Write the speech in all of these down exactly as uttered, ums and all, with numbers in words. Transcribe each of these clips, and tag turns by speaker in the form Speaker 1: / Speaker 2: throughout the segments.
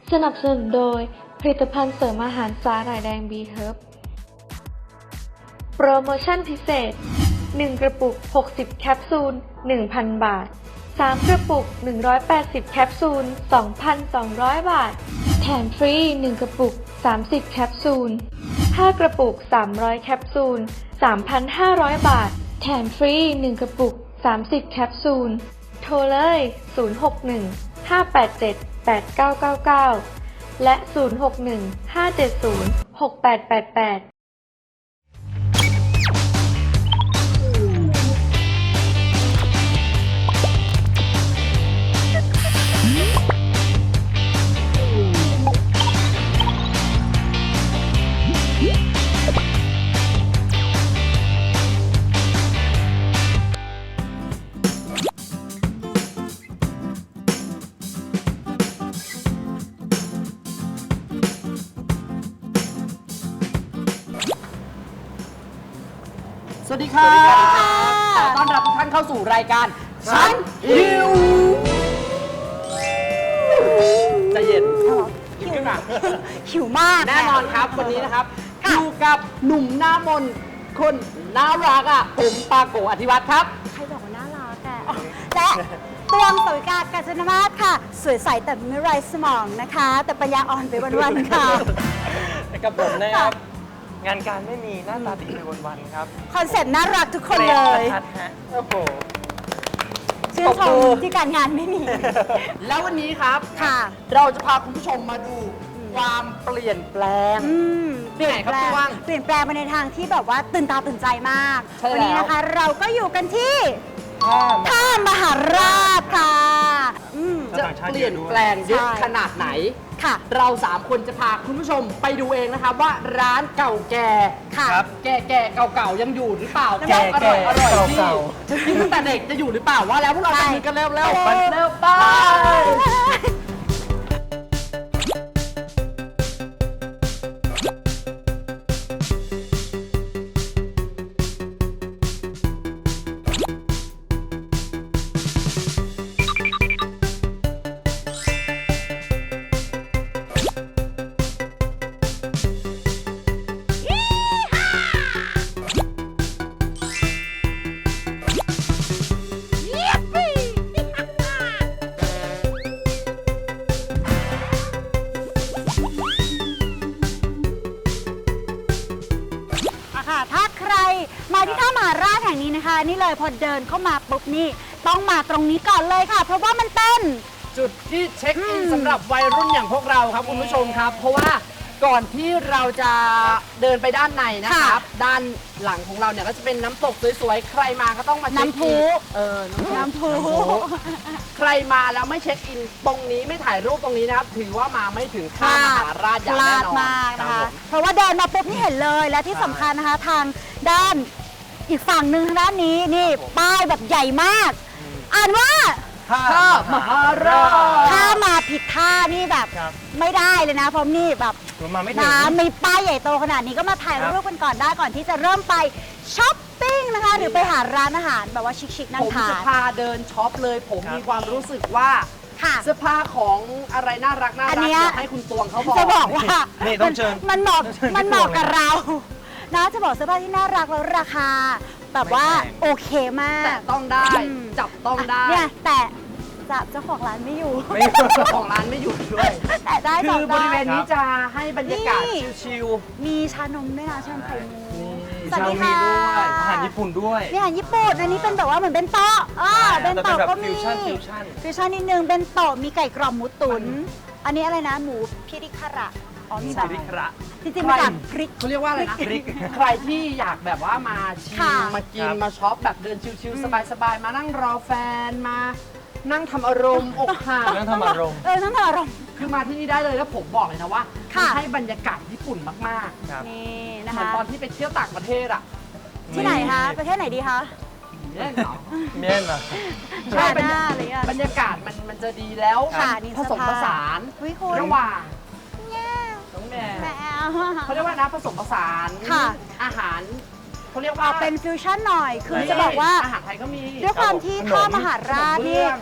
Speaker 1: สนับสนุนโดยผลิตภัณฑ์เสริมอาหารสาหร่ายแดง บี เฮิร์บ โปรโมชั่นพิเศษ หนึ่ง กระปุก หกสิบ แคปซูล หนึ่งพัน บาท สาม กระปุก หนึ่งร้อยแปดสิบ แคปซูล สองพันสองร้อย บาท แถมฟรี หนึ่ง กระปุก สามสิบ แคปซูล ห้า กระปุก สามร้อย แคปซูล สามพันห้าร้อย บาท แถมฟรี หนึ่ง กระปุก สามสิบ แคปซูล โทรเลย ศูนย์ หก หนึ่ง ห้า แปด เจ็ด แปด เก้า เก้า เก้า และ ศูนย์ หก หนึ่ง ห้า เจ็ด ศูนย์ หก แปด แปด แปด
Speaker 2: สวัสดีครับขอต้อนรับทุกท่านเข้าสู่รายการฉันหิวใจเย็นหิวขึ้นมา
Speaker 3: หิวมาก
Speaker 2: แน่นอนครับวันนี้นะครับอยู่กับหนุ่มหน้ามนต์คนน่ารักอ่ะผมปาโกอธิวัตรครับ
Speaker 3: ใครบอกว่าน่ารักอะและตวงสวิกากาญจนมาศค่ะ สวยใสแต่ไม่ไร้สมองนะคะ แต่ปัญญาอ่อนไปวันๆค่ะ
Speaker 4: กับผมนะครับ งานการไม่มีหน้าตาดีไปวันๆครับ
Speaker 3: คอนเซ็ปต์น่ารักทุกคนเลย
Speaker 4: ชัดฮะโอ้โห
Speaker 3: ชื่นชมที่การงานไม่มี
Speaker 2: แล้ววันนี้ครับ
Speaker 3: ค่ะ
Speaker 2: เราจะพาคุณผู้ชมมาดูความเปลี่ยนแปลง
Speaker 3: อืม
Speaker 2: ที่ไหนครับพี่ว่าง
Speaker 3: เปลี่ยนแปลงไปในทางที่แบบว่าตื่นตาตื่นใจมาก
Speaker 2: ใช่แล้ว
Speaker 3: วันี้นะคะเราก็อยู่กันที่
Speaker 4: ถ้ามา
Speaker 3: ท่ามหาราชค่ะอืม
Speaker 2: จะเปลี่ยนแปลงเยอะ
Speaker 3: ใช่
Speaker 2: ขนาดไหน
Speaker 3: ค่ะ
Speaker 2: เราสามคนจะพาคุณผู้ชมไปดูเองนะครับว่าร้านเก่าแก่
Speaker 3: ค่ะ
Speaker 4: ครับ
Speaker 2: แก่แก่ๆเก่าๆยังอยู่หรือเปล่า
Speaker 4: แก่
Speaker 2: อร่อยอร่อย
Speaker 4: แก่
Speaker 2: ที่
Speaker 4: เก่า
Speaker 2: ที่ตั้งแต่เด็กจะอยู่หรือเปล่าว่าแล้วพวกเรา
Speaker 3: ใช่
Speaker 2: จะมีกันเร็วเร็ว
Speaker 3: ไป
Speaker 2: เร็วไป
Speaker 3: อะค่ะถ้าใครมาที่ท่ามหาราชแห่งนี้นะคะ นี่เลยพอเดินเข้ามาปุ๊บนี่ต้องมาตรงนี้ก่อนเลยค่ะ เพราะว่ามันเป็น
Speaker 2: จุดที่เช็คอิน
Speaker 3: อืม
Speaker 2: สำหรับวัยรุ่นอย่างพวกเราครับคุณผู้ชมครับ เพราะว่าก่อนที่เราจะเดินไปด้านในนะครับ ด้านหลังของเราเนี่ยก็จะเป็นน้ำตกสวยๆใครมาก็ต้องมาเช็คอิน
Speaker 3: น้ำพุ
Speaker 2: เออน้ำ
Speaker 3: น้ำพุ
Speaker 2: ใครมาแล้วไม่เช็คอินตรงนี้ไม่ถ่ายรูปตรงนี้นะครับถือว่ามาไม่ถึงท่ามหาราชอย่าง
Speaker 3: พลา
Speaker 2: แน่
Speaker 3: ด
Speaker 2: นอน
Speaker 3: มากนะ
Speaker 2: รั
Speaker 3: คะ
Speaker 2: บผม
Speaker 3: เพราะว่าเดินมาปุ๊บนี่เห็นเลยและที่สำคัญนะคะ ทางด้านอีกฝั่งหนึ่งทางด้านนี้นี่ป้ายแบบใหญ่มาก อ่านว่า
Speaker 4: ถ้า
Speaker 2: ท่ามหาราช
Speaker 3: ถ้ามาผิดท่านี่แบบ
Speaker 4: ครับ
Speaker 3: ไม่ได้เลยนะเพราะนี่แบบ
Speaker 4: ผมมาไม่ถึง
Speaker 3: นะมีป้ายใหญ่โตขนาดนี้ก็มาถ่าย
Speaker 4: ครับ
Speaker 3: รูปกันก่อนได้ก่อนที่จะเริ่มไปช้อปปิ้งนะคะ หรือไปหาร้านอาหารแบบว่าชิคๆนั่
Speaker 2: ผ
Speaker 3: ง
Speaker 2: ม
Speaker 3: ทา
Speaker 2: จะ
Speaker 3: น
Speaker 2: พาเดินช็อปเลย ผม
Speaker 4: ครับ
Speaker 2: มีความรู้สึกว่า
Speaker 3: ค่ะ
Speaker 2: เสื้อผ้าของอะไรน่ารักน่า
Speaker 3: อั
Speaker 2: รั
Speaker 3: น
Speaker 2: ก
Speaker 3: เนี้ย
Speaker 2: อยากให้คุณตวงเขาบอก
Speaker 3: จะบอกว่า
Speaker 4: นี่ต้องเชิญ
Speaker 3: มันเหมาะ
Speaker 4: ต้องเชิญ
Speaker 3: มันเหมาะ
Speaker 4: พี่ตวง
Speaker 3: กับ
Speaker 4: เลย
Speaker 3: เรา นะจะบอกเสื้อผ้าที่น่ารักแล้วราคา แบบว่า
Speaker 4: ไม่แพง
Speaker 3: โอเคมาก
Speaker 2: แต่ต้องได้
Speaker 3: อืม
Speaker 2: จับต้องได้
Speaker 3: เนี่ยแต่จับเจ้าของร้านไม่อยู่
Speaker 4: ไม่
Speaker 2: เจ้าของร้านไม่อยู่ด้วย
Speaker 3: แต่ได้
Speaker 2: คื
Speaker 3: จับ
Speaker 2: อบ
Speaker 3: ได้
Speaker 2: ริเวณนี้จะให้บรรยากาศ
Speaker 3: นี่
Speaker 2: ชิล
Speaker 3: มีชานมด้วยนะชานมไข่มุก
Speaker 2: ๆ
Speaker 3: สวัสดี
Speaker 4: มี
Speaker 3: ค่ะ
Speaker 4: ด้วยอาหารญี่ปุ่นด้วย
Speaker 3: นี่อาหารญี่ปุ่นอันนี้เป็นแบบว่าเหมือนเป็นโต๊ะอ่า
Speaker 4: ใช่
Speaker 3: เป็น
Speaker 4: แต่เป็น
Speaker 3: โต๊ะ
Speaker 4: แบบ
Speaker 3: ก็มี
Speaker 4: ฟิวชั่นฟิวชั่น
Speaker 3: ฟิวชั่นนิดนึงเป็นโต๊ะมีไก่กรอบหมูตุ๋นอันนี้อะไรนะหมูพิริคาระอ๋อมีแบบ
Speaker 4: พิริคาระ
Speaker 3: จริงๆมาจากพริก
Speaker 2: เขาเรียกว่าอะไรนะ
Speaker 4: พริก
Speaker 2: ใครที่อยากแบบว่ามาชิล
Speaker 3: ค่ะ
Speaker 2: มากิน
Speaker 4: ครับ
Speaker 2: มาช็อปแบบเดินชิลๆสบายๆมานั่งรอแฟนมานั่งทำอารมณ์อกหัก
Speaker 4: นั่งทำอารมณ์
Speaker 3: เออทั้งอารมณ์
Speaker 2: คือมาที่นี่ได้เลยแล้วผมบอกเลยนะว่า
Speaker 3: ค่ะ
Speaker 2: มันให้บรรยากาศญี่ปุ่นมาก
Speaker 4: ครับ
Speaker 3: นี่
Speaker 2: ๆ
Speaker 3: นะ
Speaker 2: เหมือน
Speaker 3: คะ
Speaker 2: ตอนที่ไปเที่ยวต่างประเทศอ่ะ
Speaker 3: ที่ไหนคะประเทศไหนดีคะ
Speaker 2: เนี่ยเหรอ
Speaker 4: เมียนเหรอ
Speaker 2: ใช่
Speaker 3: หน้าอะไรอ่ะ
Speaker 2: บรรยากาศมันมันจะดีแล้ว
Speaker 3: ค่ะนี่
Speaker 2: ผสมผสาน
Speaker 3: เฮ้ยคุณ
Speaker 2: ระหว่าง
Speaker 3: เนี่ย
Speaker 2: น้องแม่
Speaker 3: แมว
Speaker 2: เขาเรียกว่านะผสมผสาน
Speaker 3: ค่ะ
Speaker 2: อาหารเขาเรียก
Speaker 3: อ
Speaker 2: ว่า
Speaker 3: อกเป็นฟิวชั่นหน่อย คือ
Speaker 4: ใช่
Speaker 3: จะบอกว่า
Speaker 2: อาหารไทยก็มี
Speaker 3: ด้วยความที่
Speaker 4: ขนม
Speaker 3: ท่ามหาราช
Speaker 2: ขนม
Speaker 3: นี่
Speaker 2: เบื้อง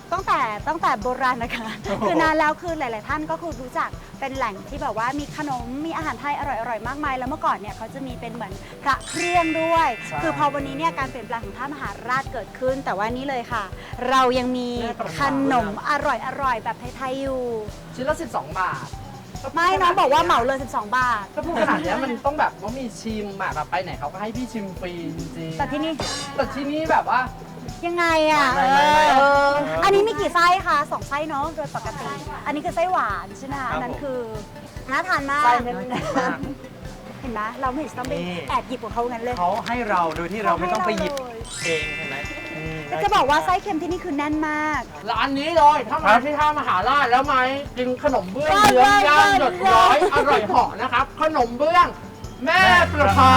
Speaker 3: ตั้งแต่ตั้งแต่โบราณนะคะ คือนานแล้วคือหลาย ๆ ท่านก็คือรู้จักเป็นแหล่งที่แบบว่ามีขนมมีอาหารไทยอร่อยๆมากมายแล้วเมื่อก่อนเนี่ยเขาจะมีเป็นเหมือนพระเครื่องด้วย
Speaker 4: ใช่
Speaker 3: คือพอวันนี้เนี่ยการเปลี่ยนแปลงของท่ามหาราชเกิดขึ้น แต่ว่านี่เลยค่ะ เรายังมีขนมอร่อยๆแบบไทย ๆ อยู่
Speaker 2: ชิ้นละสิบสองบาท
Speaker 3: ไม่น้องบอกว่าเหมาเลย สิบสอง บาท
Speaker 2: ถ้าพูดขนาดเนี้ยมันต้องแบบว่ามีชิมอะแบบไปไหนเขาก็ให้พี่ชิมฟรีจริงๆ
Speaker 3: แต่ที่นี่
Speaker 2: แต่ที่นี่แบบว่า
Speaker 3: ยังไงอ่ะ
Speaker 4: ไม่ไม่ไม่
Speaker 3: เออ
Speaker 4: ไม่
Speaker 3: อันนี้มีกี่ไส้คะสองไส้เนาะโดยปกติ อันนี้คือไส้หวานใช่ไหมคะ
Speaker 4: ครับ
Speaker 3: อันนั้น
Speaker 4: ผม
Speaker 3: คือน่าทานมาก
Speaker 2: ไส้แน่น
Speaker 4: มาก
Speaker 3: เห็นไหมเราไม่เห็นต้องไป
Speaker 4: นี่
Speaker 3: แอบหยิบของเขางั้นเลย
Speaker 4: เขาให้เราโดยที่เราไม่ต้องไปหยิบ
Speaker 3: เขาให้เราเลย
Speaker 4: เองใช่ไหมอืม
Speaker 3: แต่จะบอกว่าไส้เค็มที่นี่คือแน่นมาก
Speaker 2: ร้านนี้เลยถ้ามาที่ท่ามหาราชแล้วไหมกินขนมเบื้อง
Speaker 3: ได้
Speaker 2: เยื้องย่าง
Speaker 3: ได้
Speaker 2: หยดย้อยอร่อยเหาะนะครับ ขนมเบื้อง แม่ประภา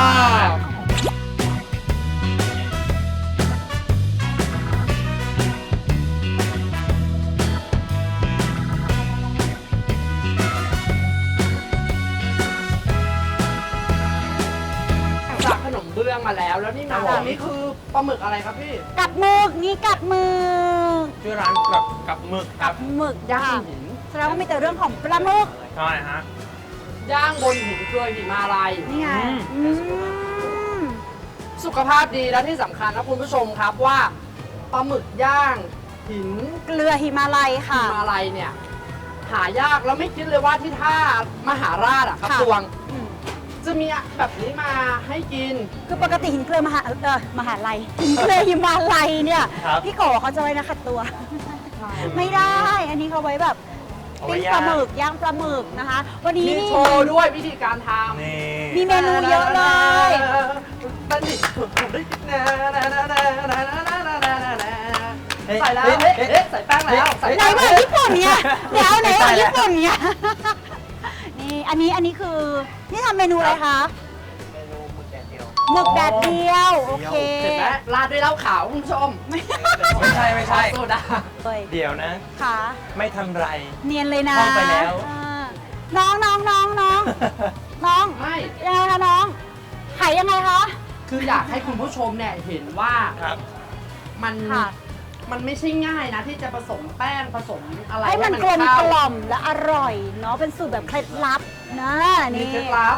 Speaker 2: จากขนมเบื้องมาแล้ว แล้วนี่มาตรงนี้คือปลาหมึกอะไรครับพี่
Speaker 3: กับหมึกนี่กับหมึก
Speaker 4: ชื่อร้านกับกับหมึกค
Speaker 3: กั
Speaker 4: รั
Speaker 3: บบ หมึก
Speaker 2: ย่า
Speaker 3: ค่ะ
Speaker 2: งหิน
Speaker 3: แสดงว่ามีแต่เรื่องของปลาหมึก
Speaker 4: ใช่ฮะ
Speaker 2: ย่างบนหินเกลือหิมาลัย
Speaker 3: นี่ไง
Speaker 4: อืม
Speaker 3: อืม
Speaker 2: สุขภาพดีและที่สำคัญนะคุณผู้ชมครับว่าปลาหมึกย่างหิน
Speaker 3: เกลือหิมาลัยค่ะ
Speaker 2: หิมาลัยเนี่ย หายากแล้วไม่คิดเลยว่าที่ท่ามหาราชอะครับ
Speaker 3: ค่ะ
Speaker 2: ตวง
Speaker 3: อืม
Speaker 2: จะมีแบบนี้มาให้กิน
Speaker 3: คือปกติหินเกลือมหาเออมหาลัยหินเกลือหิมาลัยเนี่ย
Speaker 4: ครับ
Speaker 3: พี่โกเขาจะไว้นะขัดตัว ไม่ได้ อันนี้เขาไว้แบบ
Speaker 4: เอาไว้
Speaker 3: ปิ้ง
Speaker 4: ย่าง
Speaker 3: ปลาหมึกย่างปลาหมึกนะคะ วันนี้
Speaker 2: มี
Speaker 3: นี่
Speaker 2: โชว์ด้วยวิธีการทำ
Speaker 4: นี่
Speaker 3: มีเมนูเยอะเลย
Speaker 2: ตันดิใส่แล้ว
Speaker 4: เอ๊ะ
Speaker 2: เอ๊ะ
Speaker 4: เอ๊ะ
Speaker 2: เอ๊ะใส่แป้งแล้วใส่
Speaker 3: ไหน
Speaker 2: แป้ง
Speaker 3: ว่าญี่ปุ่นเนี่ยเดี๋ยวไหนว่า
Speaker 4: ไม่ใช่
Speaker 3: ญี่ปุ่นเนี่ยนี่อันนี้อันนี้คือนี่ทำเมนูอะไรคะ
Speaker 4: เมนูหมึกแดดเดียว
Speaker 3: หมึกแดดเดียวโอเค
Speaker 2: เห็นไหมราดด้วยเหล้าขาวคุณผู้ชม
Speaker 4: ไม่ใช่ไม่ใช่
Speaker 2: โซดา
Speaker 3: เลย
Speaker 4: เดี๋ยวนะ
Speaker 3: ค่ะ
Speaker 4: ไม่ทันไร
Speaker 3: เนียนเลยนะ
Speaker 4: ท่องไปแล้ว
Speaker 3: อ่าน้องน้องน้องน้องน้อง
Speaker 2: ไม่
Speaker 3: ยังไงคะน้องขายยังไงคะ
Speaker 2: คืออยากให้คุณผู้ชมเนี่ยเห็นว่า
Speaker 4: ครับ
Speaker 2: มัน
Speaker 3: ค่ะ
Speaker 2: มันไม่ใช่ง่ายนะ ที่จะผสมแป้งผสมอะไร
Speaker 3: ให้มันกลม
Speaker 2: เข้าก
Speaker 3: ล่อมและอร่อยเนาะเป็นสูตรแบบเคล็ดลับนะ
Speaker 2: มี
Speaker 3: นี่
Speaker 2: เคล็ดลับ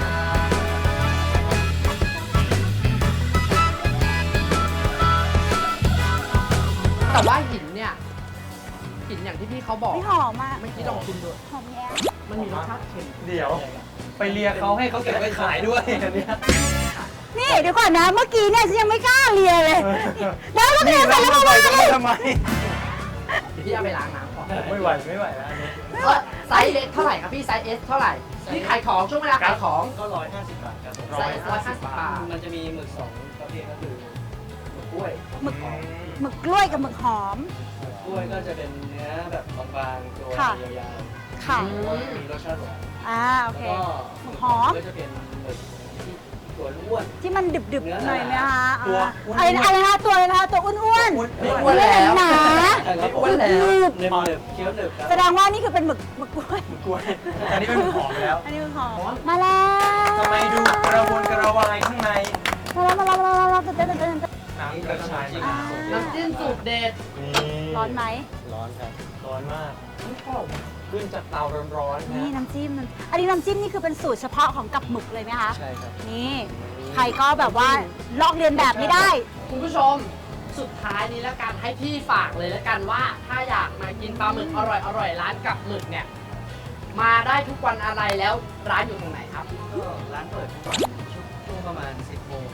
Speaker 2: แต่ว่าหินเนี่ยหินอย่างที่พี่เขาบอก
Speaker 3: ไม่หอมอ่ะ
Speaker 2: ไม่คิดลองชิมดู
Speaker 3: หอมแย้
Speaker 2: มันมีรสชาติเค็ม
Speaker 4: เดี๋ยว ไปเลียเขาให้เขาเก็บไว้ขายด้วยอันเนี้ย
Speaker 3: นี่เดี๋ยวก่อนนะเมื่อกี้เนี่ยฉันยังไม่กล้าเลียเลย
Speaker 4: เออ
Speaker 3: แล้วก็เลี
Speaker 4: นี่
Speaker 3: ยไป
Speaker 4: เรา
Speaker 3: แล้ว
Speaker 4: ไม่
Speaker 3: มา
Speaker 4: ไหว
Speaker 3: ว่า
Speaker 4: จะ
Speaker 3: เล
Speaker 4: ไม่
Speaker 3: ย
Speaker 4: ทำไม
Speaker 2: เดี๋ยวพี่เอาไปล้างน้ำก่อน
Speaker 4: ไม่ไหวไม่ไหวแล้วอันนี้
Speaker 2: เออไซส์เล็กเท่าไหร่ครับพี่ไซส์เอสเท่าไหร่พี่ขายของช่วงเวลาขายของ
Speaker 5: ก็ร้อยห้าสิบบาทครับ
Speaker 2: ไซส์ร้อยห้าสิบบาท
Speaker 5: มันจะมีหมึกสองประเภทก็คือหมึกกล้วย
Speaker 3: หมึกหมึกกล้วยกับหมึกหอม
Speaker 5: หมึกกล้วยก็จะเป็นเนื้อแบบบางๆตัว
Speaker 3: ค่ะ
Speaker 5: ยาว
Speaker 3: ค่ะ
Speaker 5: ๆแล้วก็มีรสชาติหวาน
Speaker 3: อ่าโอ
Speaker 5: แล้ว
Speaker 3: เค
Speaker 5: ก็
Speaker 3: หมึกหอม
Speaker 5: ก็จะเป็นหมึกที่ตัวอ้วน
Speaker 3: ที่มันดึบๆหน่อยไหมคะ
Speaker 4: ตัว
Speaker 3: อ่าอะไรนะอะไรนะคะตัวอะไรนะคะตัวอ้วน
Speaker 4: อ้วน
Speaker 2: ไม่
Speaker 3: ๆ
Speaker 2: อ้วนแล้ว
Speaker 3: หนา
Speaker 5: ครับผม
Speaker 2: อ้วนแล้ว
Speaker 3: หนึบ
Speaker 5: เนื้อหนึบเคี้ยวหนึบครับ
Speaker 3: แสดงว่านี่คือเป็นหมึกหมึกกล้วย
Speaker 4: กล้วยอันนี้เป็นหมึกหอมแล้ว
Speaker 3: อันนี้หมึกหอมมาแล้ว
Speaker 4: ทำไมดูกระวนกระวายข้างใน
Speaker 3: มาแล้วมาแล้วมาแล้วมาแล้วเต้นเต้นเต้นเต้น
Speaker 4: น้ำกระชาย
Speaker 3: อ่า
Speaker 2: น้ำจิ้มสูตรเด็ด
Speaker 4: นี่
Speaker 3: ร้อนไหม
Speaker 5: ร้อนครับ
Speaker 4: ร้อนมาก
Speaker 2: ไม่ชอบ
Speaker 4: ขึ้นจากเตาร้อนๆ
Speaker 3: นี่
Speaker 4: นะ
Speaker 3: น้ำจิ้มน้ำอันนี้น้ำจิ้มนี่คือเป็นสูตรเฉพาะของกับหมึกเลยไหมคะ
Speaker 5: ใช่ครับ
Speaker 3: นี่ใครก็แบบว่าลอกเรียนแบบไม่ได้
Speaker 2: คุณผู้ชมสุดท้ายนี้แล้วกันให้พี่ฝากเลยแล้วกันว่า ถ้าอยากมากินปลาหมึกอร่อยอร่อยร้านกับหมึกเนี่ย มาได้ทุกวันอะไรแล้วร้านอยู่ตรงไหนครับ
Speaker 5: ก็ร้านเปิดทุกวันช่วงประมาณสิบโมง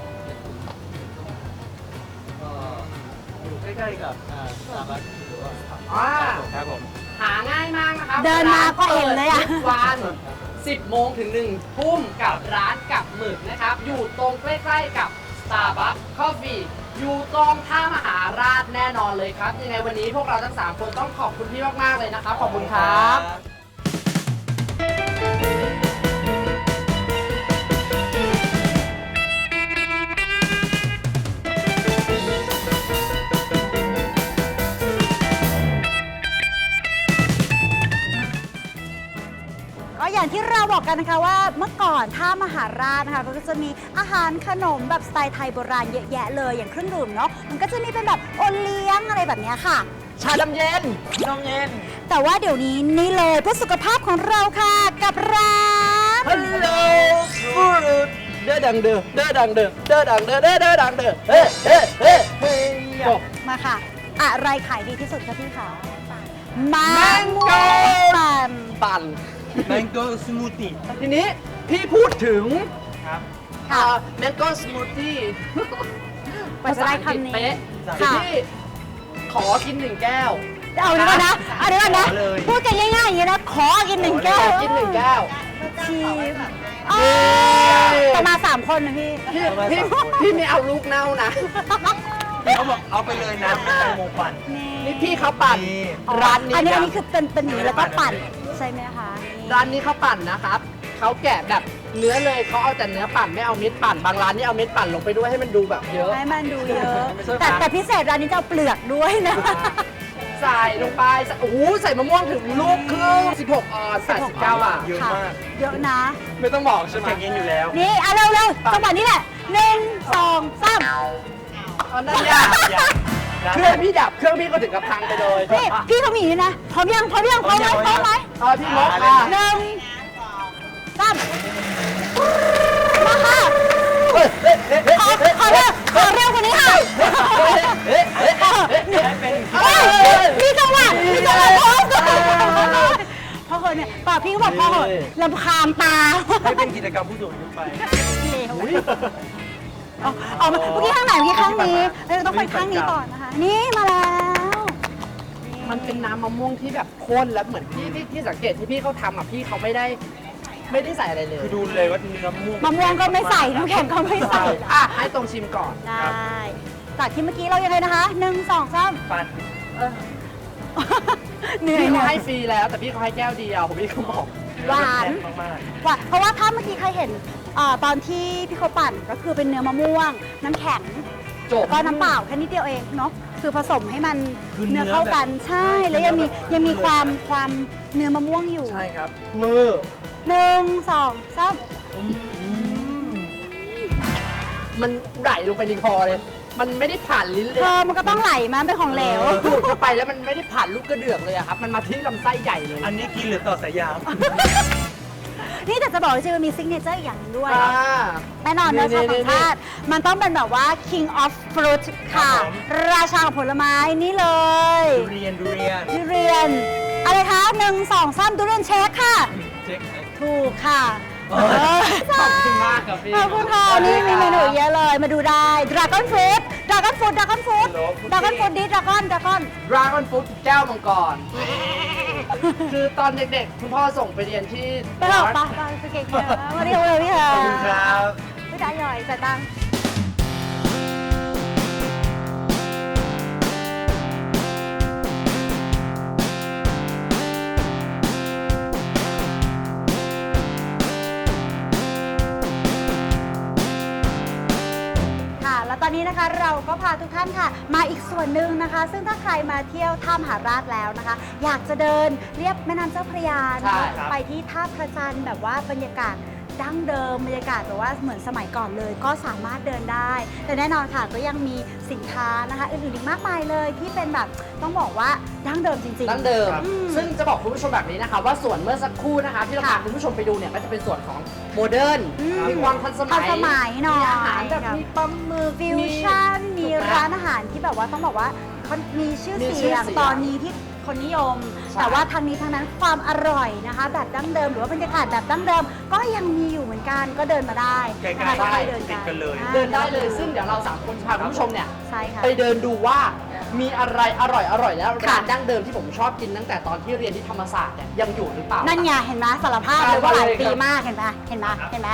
Speaker 5: ก็อยู่ใกล้ๆกับอ่าสตาร์บัคหรือว่า
Speaker 2: อ่า
Speaker 4: ครับผม
Speaker 2: หาง่ายมากนะครับ
Speaker 3: เดินมาก็เห็นเลยอะ
Speaker 2: ร้านเปิดทุกวันสิบโมงถึงหนึ่งทุ่มกับร้านกับหมึกนะครับ อยู่ตรงใกล้ๆกับ Starbucks Coffee อยู่ตรงท่ามหาราชแน่นอนเลยครับ ยังไงวันนี้พวกเราทั้งสามคนต้องขอบคุณพี่มากๆเลยนะครับ ขอบคุณครับ
Speaker 3: ก็อย่างที่เราบอกกันนะคะว่าเมื่อก่อนท่ามหาราชนะคะก็จะมีอาหารขนมแบบสไตล์ไทยโบราณเยอะแยะเลยอย่างเครื่องดื่มเนาะมันก็จะมีเป็นแบบโอเลี้ยงอะไรแบบเนี้ยค่ะ
Speaker 2: ชาดำเย็น
Speaker 4: นมเย็น
Speaker 3: แต่ว่าเดี๋ยวนี้นี่เลยเพื่อสุขภาพของเราค่ะกับร้าน
Speaker 2: ฮัลโหลฟูดเด้อดังเด้อเด้อดังเด้อเด้อดังเด้อเด้อเด้อดังเด้อเฮ้เฮ้เฮ้เฮ้จบ
Speaker 3: มาค่ะ อะไรขายดีที่สุดคะพี่ขามั
Speaker 2: แม
Speaker 3: ง
Speaker 2: ง
Speaker 3: ม่
Speaker 2: โก้
Speaker 3: วงปั่น
Speaker 2: ปั่น
Speaker 4: แมงโก้สมูทตี้
Speaker 2: ทีนี้พี่พูดถึง
Speaker 4: ครับ
Speaker 3: ค่ะ
Speaker 2: แมงโก้สมูทตี้
Speaker 3: กว่าจะได้คำนี้
Speaker 2: เป๊ะ
Speaker 3: ค่ะ
Speaker 2: พี่ขอกินหนึ่งแก้ว
Speaker 3: เอาเดี๋ยวก่อนนะเอาเดี๋ยวก่อนนะ
Speaker 4: ขอเลย
Speaker 3: พูดกันง่ายๆอย่างนี้นะ ขอกินหนึ่งแก้ว
Speaker 2: ขอกินหนึ่งแก้ว
Speaker 3: ชีสอ๋อแต่มาสามคนนะพี่
Speaker 2: พี่พี่พี่ไม่เอาลูกเน่านะ
Speaker 4: พี่เขาบอกเอาไปเลยนะเป็นแตงโมปั่น
Speaker 2: นี่พี่เขาปั่น
Speaker 4: นี่
Speaker 2: ร้านนี้
Speaker 3: อันนี้อัน
Speaker 2: นะ
Speaker 3: นี้คือเป็นเป็นอย่างนี้แล้วก็ปั่นใช่ไหมคะนี่
Speaker 2: ร้านนี้เขาปั่นนะครับเขาแกะแบบเนื้อเลยเขาเอาแต่เนื้อปั่นไม่เอาเม็ดปั่น บางร้านนี่เอาเม็ดปั่นลงไปด้วยให้มันดูแบบเยอะ
Speaker 3: ให้มันดูเยอะ
Speaker 2: ไม่ใช่
Speaker 3: แต่
Speaker 2: ครับ
Speaker 3: แต่พิเศษร้านนี้จะเอาเปลือกด้วยนะ
Speaker 2: ใส่ลงไปใส่โอ้โหใส่มะม่วงถึงลูกครึ่งสิบหกออนซ์แปดสิบเก้าบาท
Speaker 4: เยอะมาก
Speaker 3: เยอะนะ
Speaker 2: ไม่ต้องบอกใช่ไหม
Speaker 4: แข็งเย็นอยู่แล้ว
Speaker 3: นี่เอาเร็วเร็วๆจังหวะนี้แหละหนึ่งสองสาม
Speaker 2: เอานั่นยาก
Speaker 4: อย่าอย่า
Speaker 2: เครื่องพี่ดับเครื่องพี่ก็ถึงกับพังไปเลย
Speaker 3: นี่พี่เขามีอย่างนี้นะพร้อมยังพร้อมยังพร้อมไหม
Speaker 4: พร้อม
Speaker 3: พร้อ
Speaker 4: ยั
Speaker 3: ม
Speaker 4: ง
Speaker 3: ไหม
Speaker 2: เอาพี่มกค่ะ
Speaker 3: หนึ่งสามมาค่ะ
Speaker 2: เฮ้ยเฮ้ยเฮ้ย
Speaker 3: ขอขอเร็วขอเร็วกว่านี้ค่ะ
Speaker 2: เฮ้ยเฮ้ย
Speaker 3: เออ
Speaker 4: ให้เป็น
Speaker 3: เฮ้ยมีจังหวะมีจังหวะพร้อมกันพอเหอะเนี่ยป่าพี่ก็บอกพอเหอะลำคาญตา
Speaker 4: ให้เป็นกิจกรรมผู้สูงอายุไป
Speaker 3: เลวเอาเอามาเมื่อกี้ข้างไหนเมื่อกี้ข้างนี้เออต้องไปข้างนี้ก่อนนะคะ นี่มาแล้ว
Speaker 2: มันเป็นน้ำมะม่วงที่แบบข้นแล้วเหมือนพี่ที่ที่สังเกตที่พี่เขาทำอ่ะพี่เขาไม่ได้ไม่ได้ใส่อะไรเลย
Speaker 4: คือดูเลยว่าเนื้อม่วง
Speaker 3: มะม่วงก็ไม่ใส่น้ำแข็งก็ไม่ใส่
Speaker 2: อ่ะให้ตรงชิมก่อน
Speaker 3: ได้จากที่เมื่อกี้เรายังไงนะคะหนึ่งสองสาม
Speaker 4: ปั่น
Speaker 3: เหนื่อย
Speaker 2: พี่
Speaker 3: เหนื่
Speaker 2: เขา
Speaker 3: อย
Speaker 2: ให้ฟรีแล้วแต่พี่เขาให้แก้วเดียวผมพี่เขาบอก
Speaker 3: หวาน
Speaker 4: มากมาก
Speaker 3: หวานเพราะว่าถ้าเมื่อกี้ใครเห็นอ่าตอนที่พี่เขาปั่นก็คือเป็นเนื้อมะม่วง น้ำแข็ง
Speaker 2: จบ
Speaker 3: แล้วก็น้ำเปล่าแค่นิดเดียวเองเนาะคือผสมให้มันเนื้อเข้ากันใช่แล้วยังมียังมีความความเนื้อมะม่วงอยู่
Speaker 4: ใช่ครับ
Speaker 2: มือ
Speaker 3: หนึ่งสองสาม
Speaker 2: มันไหลลงไปในคอเลย มันไม่ได้ผ่านลิ้นเล
Speaker 3: เธ
Speaker 2: ย
Speaker 3: อมันก็ต้องไหลมาเป็นของเหลว
Speaker 2: ดูดเข้าไปแล้วมันไม่ได้ผ่านลูกกระเดือกเลยอะครับ มันมาที่ลำไส้ใหญ่เลย
Speaker 4: อันนี้กินหรือต่อสายยาง
Speaker 3: นี่แต่จะบอกว่าจริงๆมันมีซิกเนเจอร์อีกอย่างหนึงด้วย
Speaker 2: อ่า
Speaker 3: แน่นอนเนอะ
Speaker 2: นี่
Speaker 3: ชาว
Speaker 2: นี่
Speaker 3: ต่างชาติ มันต้องเป็นแบบว่า king of fruit ค่ะ
Speaker 4: ครับผม
Speaker 3: ราชาของผลไม้นี่เลย
Speaker 4: ดูเรียนดูเรียน
Speaker 3: ทุเรียน อะไรคะหนึ่งสองสามทุเรียนเช็คค่ะ
Speaker 4: เช็ค
Speaker 3: ถูกค่ะ
Speaker 2: เออขอบคุณมากครับพี่
Speaker 3: ขอบคุณค่ะ นี่มีเมนูเยอะเลย มาดูได้ dragon fruit dragon fruit dragon fruit dragon fruit ดิ dragon dragon
Speaker 2: ดราก้อนฟุตแก้วมังกร คือตอนเด็กๆ คุณพ่อส่งไปเรียนที่
Speaker 3: ไปเถอะไปไปไปเก่งเยอะมาเรียกเลยพี่เถ
Speaker 4: ข
Speaker 3: อะ
Speaker 4: อบคุณครับ
Speaker 3: พี่จ๋าหย่อยจ่ายตังค์ ค่ะ แล้วตอนนี้นะคะเราก็พาทุกท่านค่ะ มาอีกส่วนหนึ่งนะคะ ซึ่งถ้าใครมาเที่ยวท่ามหาราชแล้วนะคะ อยากจะเดินเรียบแม่น้ำเจ้าพระยานะ
Speaker 2: ใช่
Speaker 3: คะ
Speaker 2: ครับ
Speaker 3: ไปที่ท่าพระจันทร์แบบว่าบรรยากาศดั้งเดิมบรรยากาศแบบว่าเหมือนสมัยก่อนเลย ก็สามารถเดินได้ แต่แน่นอนค่ะก็ยังมีสินค้านะคะอื่นๆอีกมากมายเลยที่เป็นแบบต้องบอกว่าดั้งเดิมจริงๆ
Speaker 2: ดั้งเดิม
Speaker 3: อืม
Speaker 2: ซึ่งจะบอกคุณผู้ชมแบบนี้นะคะว่าส่วนเมื่อสักครู่นะคะที่เราพา
Speaker 3: ค่ะ
Speaker 2: คุณผู้ชมไปดูเนี่ยก็จะเป็นส่วนของโมเดิร์น
Speaker 3: อืม
Speaker 2: มีความทันสมัย
Speaker 3: ทันสมัยหน่อย
Speaker 2: มีอาหารแบบ
Speaker 3: ครับ
Speaker 2: มีปลาหมึก
Speaker 3: ฟิวชั่นมี
Speaker 2: ถูกไห
Speaker 3: ร้านอาหารที่แบบว่าต้องบอกว่าเขามีชื่อ
Speaker 2: มีชื่
Speaker 3: เสี
Speaker 2: อย
Speaker 3: ง
Speaker 2: เสียง
Speaker 3: ตอนนี้ที่คนนิยม
Speaker 2: ใช่
Speaker 3: แต่ว่าทางนี้ทางนั้นความอร่อยนะคะ แบบดั้งเดิมหรือว่าบรรยากาศแบบดั้งเดิม ก็ยังมีอยู่เหมือนกันก็เดินมาได้
Speaker 4: ใกล้ๆ
Speaker 3: นะคะ
Speaker 4: ได้
Speaker 3: เดิน
Speaker 4: ติดกันเลย
Speaker 3: อ่า
Speaker 2: เดินได้เลย ซึ่งเดี๋ยวเราสามคนจะพาคุณผู้ชมเนี่ย
Speaker 3: ใช่ค่ะ
Speaker 2: ไปเดินดูว่ามีอะไรอร่อยอร่อยแล้ว
Speaker 3: ค่ะ
Speaker 2: ร้านดั้งเดิมที่ผมชอบกินตั้งแต่ตอนที่เรียนที่ธรรมศาสตร์เนี่ยยังอยู่หรือเปล่า
Speaker 3: นั่นไงเห็นไหมสารภาพเลยว่าหลาย
Speaker 2: ไปเลยครับ
Speaker 3: ปีมากเห็นไหมเห็นไหมเห็นไหม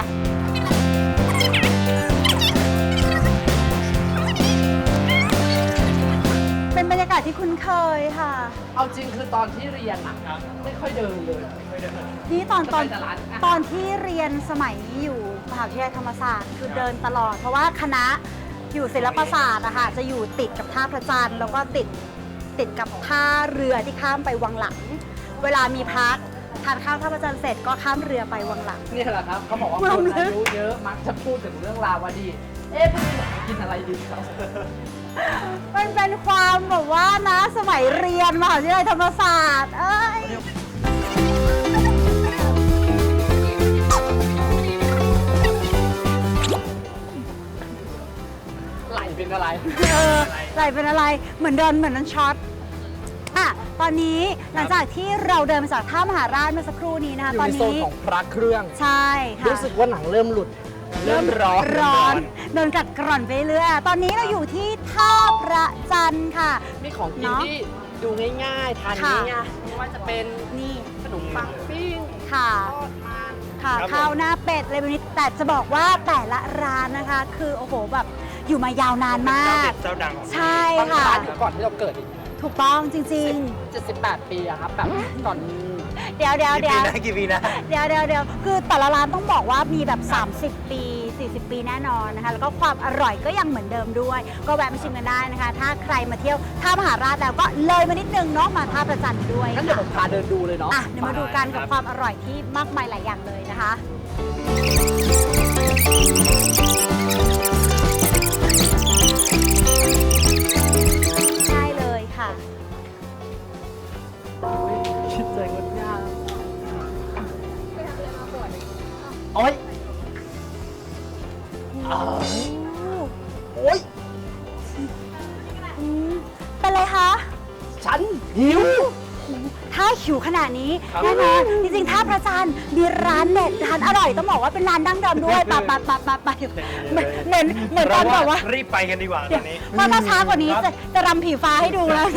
Speaker 3: เป็นบรรยากาศที่คุ้นเคยค่ะ
Speaker 2: เอาจริงคือตอนที่เรียนอะไม่ค่อยเดินเลย
Speaker 3: นี่ตอนตอน
Speaker 2: จะไปแต่ร้านอาหาร
Speaker 3: ตอนที่เรียนสมัยอยู่มหาวิทยาลัยธรรมศาสตร์คือเดินตลอด เพราะว่าคณะอยู่ศิลปศาสตร์อะค่ะจะอยู่ติดกับท่าพระจันทร์แล้วก็ติดติดกับท่าเรือที่ข้ามไปวังหลัง เวลามีพักทานข้าวท่าพระจันทร์เสร็จก็ข้ามเรือไปวังหลัง
Speaker 2: นี่แหละครับเขาบอกว่า
Speaker 3: ความ
Speaker 2: คน
Speaker 3: ลึก
Speaker 2: อายุเยอะมักจะพูดถึงเรื่องราวอดีตเอ๊ะพรุ่งนี้อยากกินอะไรดีครับ
Speaker 3: มันเป็นความแบบว่านะสมัยเรียนมหาวิทยาลัยธรรมศาสตร์เอ้ย
Speaker 2: ไหลเป็นอะไร
Speaker 3: เออไหลเป็นอะไรเหมือนโดนเหมือนนั้นช็อตอ่ะตอนนี้หลังจากที่เราเดินมาจากท่ามหาราชเมื่อสักครู่นี้นะคะ
Speaker 2: อยู่
Speaker 3: ตอน
Speaker 2: ในโซน
Speaker 3: นี้
Speaker 2: ของพระเครื่อง
Speaker 3: ใช่ค่ะ
Speaker 2: รู้สึกว่าหนังเริ่มหลุด เริ่มร้อน
Speaker 3: ร้อนโดนกัดกร่อนไปเรื่อยตอนนี้เราอยู่ที่ท่าพระจันทร์ค่ะ
Speaker 2: มีของกิน
Speaker 3: เนอะ
Speaker 2: ที่ดูง่ายๆ ทาน
Speaker 3: ค่ะ
Speaker 2: ง่ายๆไม่ว่าจะเป็น
Speaker 3: นี่
Speaker 2: ขนมปังปิ้ง
Speaker 3: ค่ะ
Speaker 2: ทอดมัน
Speaker 3: ค่ะ
Speaker 4: ครับผม
Speaker 3: ข้าวหน้าเป็ดอะไรแบบนี้แต่จะบอกว่าแต่ละร้านนะคะ คือโอ้โหแบบอยู่มายาวนานมาก
Speaker 4: เจ้าดังของที่
Speaker 3: ใช่
Speaker 2: บาง
Speaker 3: ค่ะ
Speaker 2: ร้านอยู่ก่อนที่เราเกิดอีก
Speaker 3: ถูกต้องจริง
Speaker 2: เจ็ดสิบแปดปีอะครับแบบก่อน
Speaker 3: ๆ เดี๋ยวเดี๋ยว
Speaker 4: กี่
Speaker 3: เดี๋ยว
Speaker 4: ปีนะกี่ปีนะ
Speaker 3: เดี๋ยวเดี๋ยวเดี๋ยวคือแต่ละร้านต้องบอกว่ามีแบบ สามสิบ ปี สี่สิบ ปีแน่นอนนะคะ แล้วก็ความอร่อยก็ยังเหมือนเดิมด้วย ก็แวะมาชิมกันได้นะคะ ถ้าใครมาเที่ยวท่ามหาราชแล้วก็เลยมานิดนึงเนาะมาท่าประจันทร์ด้วย
Speaker 2: งั้นเดี๋ยวผมพาเดินดูเลยเนาะ
Speaker 3: อ่ะเดี๋ยวมาดูกันกับความอร่อยที่มากมายหลายอย่างเลยนะคะ ใช่เลยค่ะ
Speaker 2: คิดใจงดงามโอ๊ยอ้าวโอ๊ย
Speaker 3: อืมเป็นไรคะ
Speaker 2: ฉันหิว
Speaker 3: ถ้าหิวขนาดนี้
Speaker 4: ครับ
Speaker 3: แน่นอนจริงๆท่าพระจันทร์มีร้านเด็ดร้านอร่อยต้องบอกว่าเป็นร้านดั้งเดิมด้วยปะปะปะปะปะเหมือนเหมือนเหมือนตอนแบบว่า
Speaker 4: รีบไปกันดีกว่าตอนนี้
Speaker 3: เพราะถ้าช้ากว่านี้จะจะรำผีฟ้าให้ดูแล้ว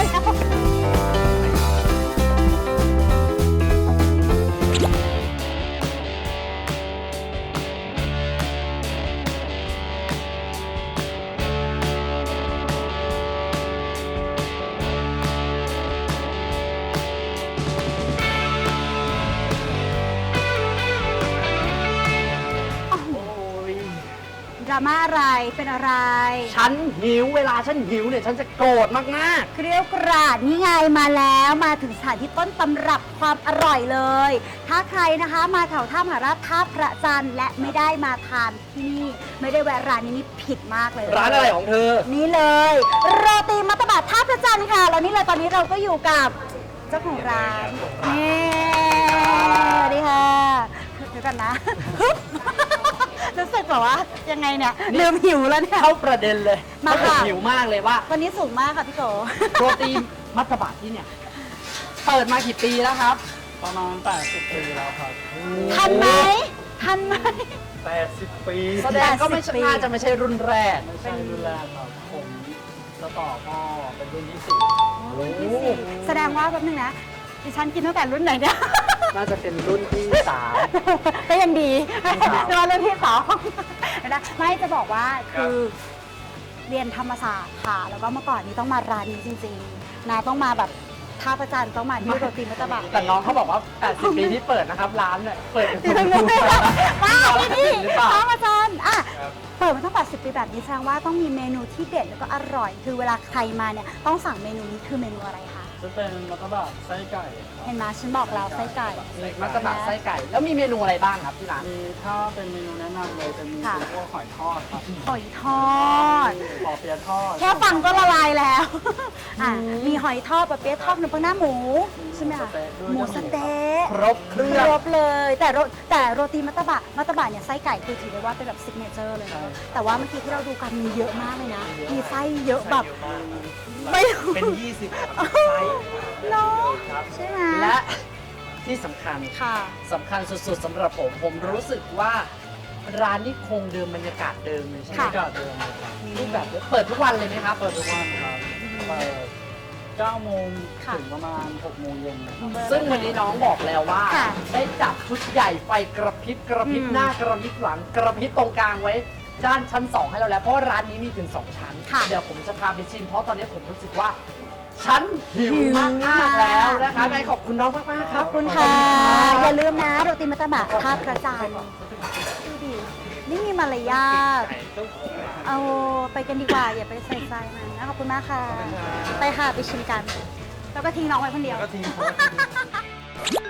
Speaker 3: ดราม่าอะไรเป็นอะไร
Speaker 2: ฉันหิวเวลาฉันหิวเนี่ยฉันจะโกรธมาก
Speaker 3: เกรียวกราดนี่ไงมาแล้วมาถึงสถานที่ต้นตำรับความอร่อยเลย ถ้าใครนะคะมาแถวท่ามหาราชท่าพระจันทร์และไม่ได้มาทานที่นี่ ไม่ได้แวะร้านนี้นี่ผิดมากเลย
Speaker 2: ๆ ร้านอะไรของเธอ
Speaker 3: นี่เลยโรตีมัตตบะท่าพระจันทร์ค่ะแล้วนี่เลยตอนนี้เราก็อยู่กับเจ้าของร้านนี่สวัสดีค่ะเดี๋ยวกันนะ รู้สึกแบบว่ายังไงเนี่ยลืมหิวแล้วเนี่ย
Speaker 2: เข้าประเด็นเลย
Speaker 3: มา
Speaker 2: เพราะผม
Speaker 3: ค่ะ
Speaker 2: หิวมากเลยว่า
Speaker 3: วันนี้สูงมากค่ะพี่โก
Speaker 2: โรตีมัตตบะที่เนี่ย เปิดมากี่ปีแล้วครับ
Speaker 5: ประมาณแปดสิบปีแล้วครับ
Speaker 3: ทันไหมทันไหม
Speaker 4: แปดสิบ ปี
Speaker 2: แสดงก็ไม่ใช่
Speaker 3: แปดสิบปี
Speaker 2: น่าจะไม่ใช่รุ่นแรก
Speaker 5: ไม่ใช่รุ่นแรกครับ ผมจะต่อพ่อเป็นรุ่นที่สี่
Speaker 3: แสดงว่าแป๊บนึงนะดิฉันกินตั้งแต่รุ่นไหนเนี่ย
Speaker 2: น่าจะเป็นรุ่นที่สาม
Speaker 3: ก็ยังดี
Speaker 2: รุ่นที่สาม
Speaker 3: แต่ว่ารุ่นที่สองนะไม่จะบอกว่าคือเรียนธรรมศาสตร์ค่ะ แล้วก็เมื่อก่อนนี้ต้องมาร้านนี้จริงๆนะต้องมาแบบท่าประจันทร์ต้องมาที่โรตีมัตตบะ
Speaker 2: แต่น้องเขาบอกว่า แปดสิบ ปีที่เปิดนะครับ ร้านเนี่ย เปิดเป็น
Speaker 3: ไม่
Speaker 2: ทุน
Speaker 3: ไม่
Speaker 2: ๆ
Speaker 3: ว้าวนี่
Speaker 2: หรือเปล่า
Speaker 3: ท่าประจันทร์อ่ะเปิดมาตั้งแปดสิบปีแบบนี้แสดงว่าต้องมีเมนูที่เด็ดแล้วก็อร่อย คือเวลาใครมาเนี่ยต้องสั่งเมนูนี้คือเมนูอะไรคะ
Speaker 5: จะเป็นมัตตบะไส้ไก่
Speaker 3: เห็นไหมฉันบอกแล้วไส้ไก่
Speaker 2: มัตตบะไส้ไก่ แล้วมีเมนูอะไรบ้างครับที่ร้าน
Speaker 5: มีถ้าเป็นเมนูแนะนำเลยจะมี
Speaker 3: ค่ะ
Speaker 5: พวกหอยทอดครับ
Speaker 3: หอยทอด
Speaker 5: ปอเปี๊ยะทอด
Speaker 3: แค่ฟังก็ละลายแล้วอ่ะมีหอยทอดปะเปี๊ยะทอดขนมปังหน้าหมูใช่ไหมคะหมูสะเต๊ะ
Speaker 2: ครบเครื่อง
Speaker 3: ครบเลย แต่โรแต่โรตีมัตตบะมัตตบะเนี่ยไส้ไก่คือถือได้ว่าเป็นแบบซิกเนเจอร์เลยนะแต่ว่าเมื่อกี้ที่เราดูกันมีเยอะมากเลยนะ มีไส้เยอะแบบไม่
Speaker 4: เป็นยี่สิบไซส์
Speaker 3: เนาะใช่ไหม
Speaker 2: และที่สำคัญ
Speaker 3: ค่ะ
Speaker 2: สำคัญสุดๆสำหรับผม ผมรู้สึกว่าร้านนี้คงเดิมบรรยากาศเดิมเลยใช่ไหม
Speaker 3: ค่ะ
Speaker 5: ก็เดิมเลยครับ
Speaker 2: รูปแบบเดิมเปิดทุกวันเลยไหมครับ
Speaker 5: เปิดทุกวันครับเปิดเก้าโมง
Speaker 3: ค่ะ
Speaker 5: ถึงประมาณหกโมงเย็นนะครับ
Speaker 2: ซึ่งวันนี้น้องบอกแล้วว่า
Speaker 3: ค่ะ
Speaker 2: ได้จัดชุดใหญ่ไฟกระพริบกระพริบ
Speaker 3: อืม
Speaker 2: หน้ากระพริบหลังกระพริบตรงกลางไว้ ด้านชั้นสองให้เราแล้ว เพราะว่าร้านนี้มีถึงสองชั้น
Speaker 3: ค่ะ
Speaker 2: เดี๋ยวผมจะพาไปชิมเพราะตอนนี้ผมรู้สึกว่า ฉันหิวมากๆแล้วนะคะไงขอบคุณน้องมากๆค
Speaker 3: ข
Speaker 2: รั
Speaker 3: อ
Speaker 2: บบ
Speaker 3: คุณค่ะ อย่าลืมนะโรตีมัตตบะท่าพระจันทร์ดูดินี่มีมารยาทเอาไปกันดีกว่า อย่าไปใส่ใจมันนะขอบคุณมากค่ะ ไปค่ะ ไปชิมกัน แล้วก็ทิ้งน้องไว้คนเดียว
Speaker 4: ก็ทิ้งเขาไว้ที่นี่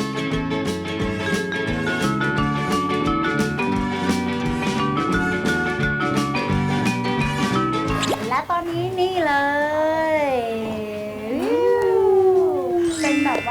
Speaker 3: อ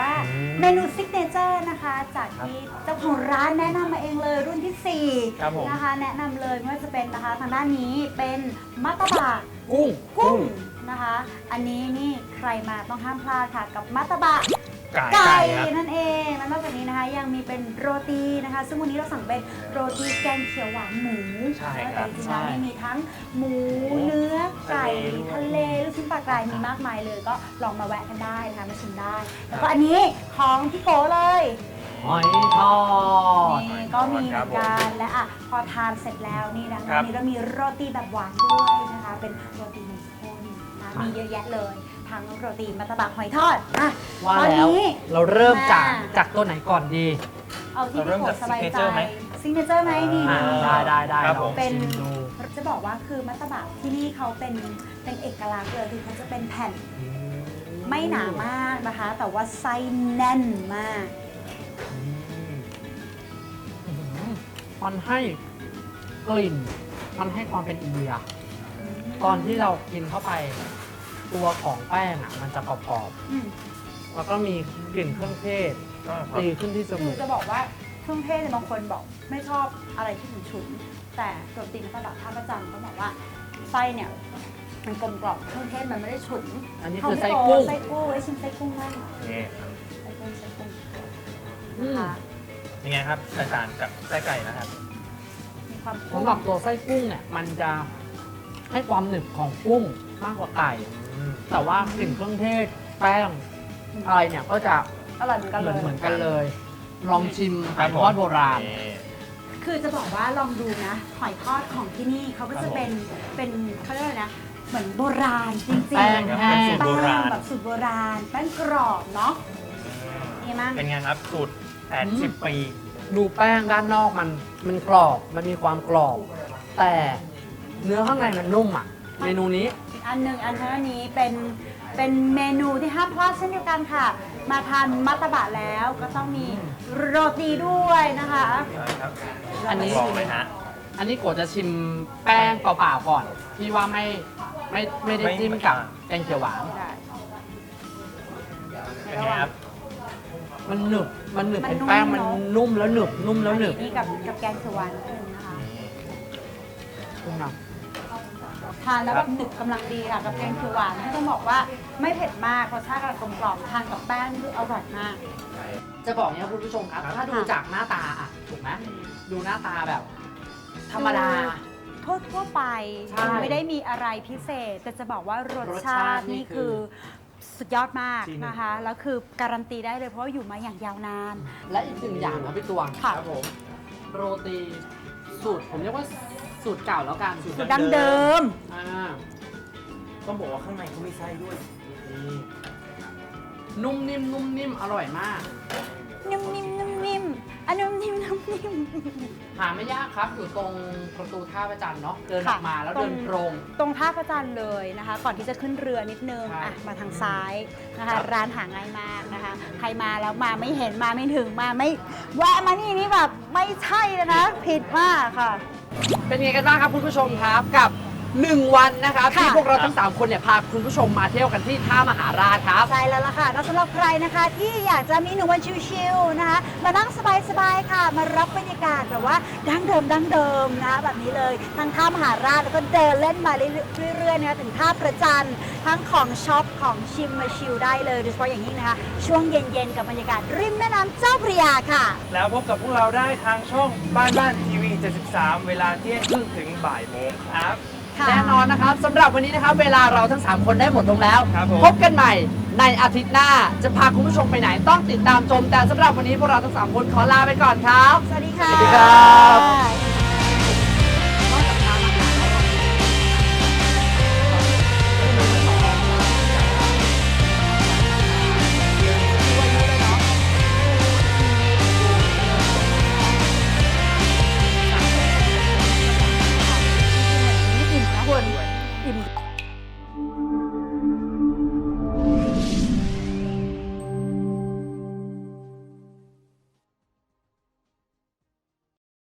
Speaker 3: เมนูซิกเนเจอร์นะคะ จากที่เจ้าของร้านแนะนำมาเองเลยรุ่นที่สี่
Speaker 4: ครับผม
Speaker 3: นะคะ แนะนำเลยไม่ว่าจะเป็นนะคะทางด้านนี้เป็นมัตตบะ
Speaker 2: กุ้ง
Speaker 3: กุ้งนะคะ อันนี้นี่ใครมาต้องห้ามพลาดค่ะกับมัตตบะ
Speaker 4: ไก่
Speaker 3: ไก่
Speaker 4: ครับ
Speaker 3: นั่นเองแล้วนอกจากนี้นะคะยังมีเป็นโรตีนะคะ ซึ่งวันนี้เราสั่งเป็นโรตีแกงเขียวหวานหมู
Speaker 4: ใช่ค
Speaker 3: แต่
Speaker 4: รับ
Speaker 3: จริงๆแล้วนี่มีทั้งหมูเนื้อไก่ทะเลลูกชิ้นปลากรายมีมากมายเลย ก็ลองมาแวะกันได้นะคะมาชิมได้ แล้วก็อันนี้ของพี่โกเลย
Speaker 2: หอยทอด
Speaker 3: นี่ก็มีเหมือนกันและอ่ะพอทานเสร็จแล้วนี่นะ
Speaker 4: ครั
Speaker 3: วัน
Speaker 4: บ
Speaker 3: นี้เรามีโรตีแบบหวานด้วยนะคะ เป็นโรตีนมข้นนะมีเยอะแยะเลยทั้งโรตีมัตตบะหอยทอดอ่ะ
Speaker 2: ว่า
Speaker 3: ตอน
Speaker 2: แล้ว
Speaker 3: นี้
Speaker 2: เราเริ่มจาก
Speaker 3: มา
Speaker 2: จากตัวไหนก่อนดี
Speaker 3: เอาที่
Speaker 4: เราเริ่
Speaker 3: พี่
Speaker 4: ม
Speaker 3: โก
Speaker 4: จาก
Speaker 3: สบายใจ
Speaker 4: signature ไหม
Speaker 3: ซิงเกิลเจอร์ไหมนี่
Speaker 2: อ่าได้ได้ได้
Speaker 4: ครับ
Speaker 2: ล
Speaker 4: ผ
Speaker 2: อง
Speaker 4: ม
Speaker 3: เป็น
Speaker 2: ชิมดู
Speaker 3: จะบอกว่าคือมัตตบะที่นี่เขาเป็นเป็นเอกลักษณ์เลยคือเขาจะเป็นแผ่นไม่หนามากนะคะ แต่ว่าไส้แน่นมาก
Speaker 2: มันให้กลิ่น มันให้ความเป็นอินเดีย ตอนที่เรากินเข้าไป ตัวของแป้งอ่ะ มันจะกรอบ
Speaker 3: อืม
Speaker 2: ๆแล้วก็มีกลิ่นเครื่องเทศ
Speaker 4: อ่าครับ
Speaker 2: ตีขึ้นที่จ
Speaker 3: คื
Speaker 2: มู
Speaker 3: อก จะบอกว่าเครื่องเทศเนี่ยบางคนบอกไม่ชอบอะไรที่ฉุนๆแต่โรตีมัตตบะท่าประจันก็บอกว่าไส้เนี่ยมันกลมกล่อมเครื่องเทศมันไม่ได้ฉุน
Speaker 2: อันนี้
Speaker 3: ขง
Speaker 2: คือไส้
Speaker 3: พี่โ
Speaker 2: กุ้ง
Speaker 3: ไส้กุ้งไอ้ชิมไส้กุ้งบ้าง
Speaker 4: นี่
Speaker 3: ไส้กุ้งไส้กุ้ง
Speaker 2: อืม
Speaker 3: นะคะ
Speaker 4: ยังไงครับแตกต่างกับไส้ไก่นะครับ
Speaker 3: มีความ
Speaker 2: สำหรับตัวไส้กุ้งเนี่ย มันจะให้ความหนึบของกุ้งมากกว่าไก่ แต่ว่ากลิ่นเครื่องเทศแป้งอะไรเนี่ยก็จะ
Speaker 3: อร่อยเหมือนกัน
Speaker 2: เห
Speaker 3: เล
Speaker 2: มือน
Speaker 3: ย
Speaker 2: เหมือนกันเลย ลองชิม
Speaker 4: ค
Speaker 2: ไก่
Speaker 4: รับ
Speaker 2: ท
Speaker 4: ผม
Speaker 2: อดโบราณ
Speaker 4: นี่
Speaker 3: คือจะบอกว่าลองดูนะหอยทอดของที่นี่เขาก็
Speaker 4: ครั
Speaker 3: จะ
Speaker 4: บผม
Speaker 3: เป็นเป็นเขาเรียกอะไรนะ เหมือนโบราณจริงๆ
Speaker 2: แป้งแห้ง
Speaker 3: แป้
Speaker 4: สูตรโบราณ
Speaker 3: แบบสูตรโบราณแป้งกรอบเนาะนี่มั้ง
Speaker 4: เป็นไงครับสูตรแปดสิบปี
Speaker 2: ดูแป้งด้านนอกมันมันกรอบ มันมีความกรอบ แต่เนื้อข้างในมันนุ่มอ่ะ เมนูนี้
Speaker 3: อีกอันหนึ่งอันนี้เป็นเป็นเมนูที่ห้ามพลาดเช่นเดียวกันค่ะ มาทานมัตตบะแล้วก็ต้องมีโรตีด้วยนะคะ
Speaker 4: ครับ
Speaker 2: อันนี้
Speaker 4: ลองเลยฮะ
Speaker 2: อันนี้โกจะชิมแป้งเปล่าๆก่อน ที่ว่าไม่ไม่ไม่ได้
Speaker 4: ไม่
Speaker 2: จิ้มกับแกงเขียวหวาน
Speaker 3: ได้
Speaker 4: เป็นไงครับ
Speaker 2: มันหนึบ มันหนึบ
Speaker 3: มัน
Speaker 2: เป็นแป้ง
Speaker 3: นุ่ม
Speaker 2: มัน
Speaker 3: เนอะ
Speaker 2: นุ่มแล้วหนึบ นุ่มแล้วหนึบ
Speaker 3: อันี่กับกับแกงเขียวหวานนิดนึงนะคะ
Speaker 2: คุณนะ
Speaker 3: ทานแล้วแบบหนึบกำลังดีค่ะกับแกงเขียวหวานที่ต้องบอกว่าไม่เผ็ดมากรสชาติกลมกล่อมทานกับแป้งนี่คืออร่อยมาก
Speaker 2: จะบอกเนี่ยคุณผู้ชมครับ ถ้าดูจากหน้าตาอ่ะ ถูกไหมดูหน้าตาแบบ ธรรมดา
Speaker 3: ทั่วทั่วๆไป
Speaker 2: ใช่
Speaker 3: ไม่ได้มีอะไรพิเศษ แต่จะบอกว่ารส
Speaker 2: รส
Speaker 3: ชา
Speaker 2: ชาติ
Speaker 3: ติ
Speaker 2: นี่
Speaker 3: นี่
Speaker 2: คื
Speaker 3: คือ อสุดยอดมาก
Speaker 2: จริง
Speaker 3: นะคะ แล้วคือการันตีได้เลยเพราะว่าอยู่มาอย่างยาวนาน
Speaker 2: และอีกหนึ่งอย่างครับพี่ตวง
Speaker 3: ค่ะ
Speaker 2: ผม โรตีสูตร ผมเรียกว่าสูตรเก่าแล้วกัน
Speaker 3: สูตรดั้งเดิม
Speaker 2: อ่า
Speaker 4: ต้องบอกว่าข้างในเขามีไส้ด้วยนี่
Speaker 2: นุ่มนิ่มนุ่มนิ่มอร่อยมาก
Speaker 3: นิ่มนิ่มนุ่มนิ่มอันนุ่มนิ่มนุ่มนิ่ม
Speaker 2: หาไม่ยากครับ อยู่ตรงประตูท่าพระจันทร์เนาะ เดินอ
Speaker 3: ค่ะ
Speaker 2: อกมาแล้ว
Speaker 3: ตรง
Speaker 2: เดินตรง
Speaker 3: ตรงท่าพระจันทร์เลยนะคะ ก่อนที่จะขึ้นเรือนิดนึง
Speaker 2: ใช่
Speaker 3: อ่ะมาทางซ้ายนะคะ ร้านหาง่ายมากนะคะ ใครมาแล้วมาไม่เห็นมาไม่ถึงมาไม่แวะมานี่นี่แบบไม่ใช่เลยนะ ผิดมากค่ะ
Speaker 2: เป็นไงกันบ้างครับคุณผู้ชมครับกับหนึ่งวันนะครับ
Speaker 3: ค่ะ
Speaker 2: ที่พวกเราทั้งสามคนเนี่ยพาคุณผู้ชมมาเที่ยวกันที่ท่ามหาราชครับ
Speaker 3: ใช่แล้วล่ะค่ะแล้วสำหรับใครนะคะที่อยากจะมีหนึ่งวันชิลๆนะคะ มานั่งสบายๆค่ะ มารับบรรยากาศแบบว่าดั้งเดิมดั้งเดิมนะคะแบบนี้เลยทั้งท่ามหาราชแล้วก็เดินเล่นมาเรื่อยๆนะคะถึงท่าประจันทร์ทั้งของช็อปของชิมมาชิลได้เลยโดยเฉพาะอย่างยิ่งนะคะ ช่วงเย็นๆกับบรรยากาศริมแม่น้ำเจ้าพระยาค่ะ
Speaker 4: แล้วพบกับพวกเราได้ทางช่องบ้านบ้านทีวีเจ็ดสิบสามเวลาเที่ยงครึ่งถึงบ่ายโมงครับ
Speaker 2: แน่นอนนะครับสำหรับวันนี้นะครับ เวลาเราทั้งสามคนได้หมดลงแล้ว
Speaker 4: ครับผม
Speaker 2: พบกันใหม่ในอาทิตย์หน้า จะพาคุณผู้ชมไปไหนต้องติดตามชม แต่สำหรับวันนี้พวกเราทั้งสามคนขอลาไปก่อนครับ
Speaker 3: สวัสดีค่ะ
Speaker 2: สวัสดีครับ